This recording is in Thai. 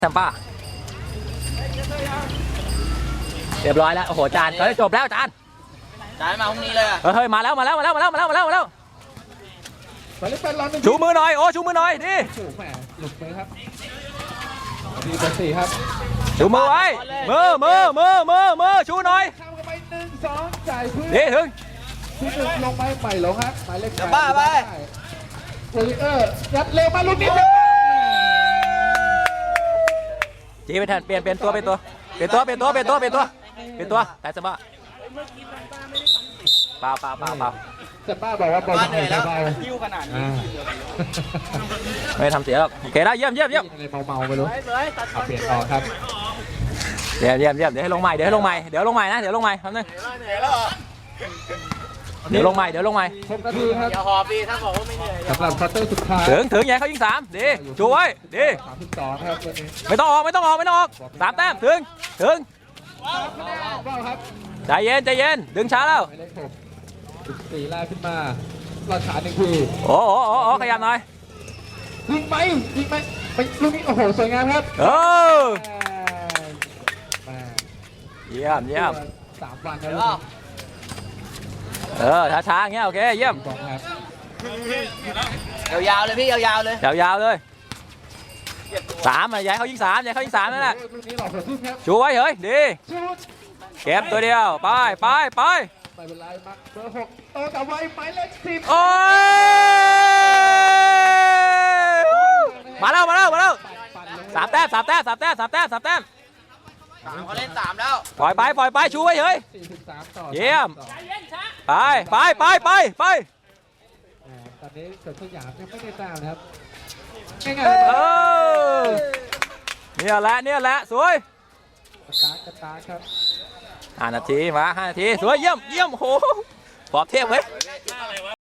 แซมป้าเรียบร้อยแล้วโอ้โหจานเฮ้ยจบแล้วจานมาพรุ่งนี้เลยอ่ะเฮ้ยมาแล้วชูมือหน่อยโอ้ชูมือหน่อยดิโอ้โหแหมหลุดไปครับดีเบอร์สี่ครับชูมือไว้มือชูหน่อยเข้ากันไป1-2จ่ายเพื่อนดีถึงที่หนึ่งลงไปใหม่ลงครับหมายเลขบ้าไปโรลิเออร์ยัดเร็วมาลูกนี้จีไปแทนเปลี่ยนตัวแต่สบ้าเปล่าจะป้าบอกว่าบอลเหนื่อยแล้วยิ้วขนาดนี้ไม่ทำเสียหรอกโอเคแล้วเยี่ยมอะไรเมาไปรู้เปลี่ยนต่อครับเยี่ยมเดี๋ยวให้ลงใหม่นะเดี๋ยวลงใหม่แป๊บนึงเดี๋ยวลงใหม่ 6 นาทีครับอย่าหอบดีถ้าบอกว่าไม่เหนื่อยสำหรับควอเตอร์สุดท้ายถึงใหญ่เขายิง3ดีชูไว้ดี 32ครับวันนี้ไม่ต้องออก3แต้มถึงใจเย็นดึงช้าแล้ว 4แรกขึ้นมาเราช้า1 ทีโอ้ขยับหน่อยยิงไหมไปลูกนี้โอ้โหสวยงามครับเยี่ยม 3 วันแล้วช้าอย่างเงี้ยโอเคเยี่ยมยาวๆเลยพี่ยาวๆเลย 3ย้ายเขายิง3นั่นแหละชูไว้เฮ้ยดีเก็บตัวเดียวไปเป็นไรมาเบอร์6โตกับไว้หมายเลข10 โอ้ยมาแล้ว3 แต้มเขาเล่น3แล้วปล่อยไปชูไว้เฮ้ยเยี่ยมไปตอนนี้เกิดสยามยังไม่ได้แต้มนะครับง่ายเนี่ยแหละสวยกระตาครับ 5 นาทีมา5 นาทีสวยเยี่ยมโหปอบเทพเว้ย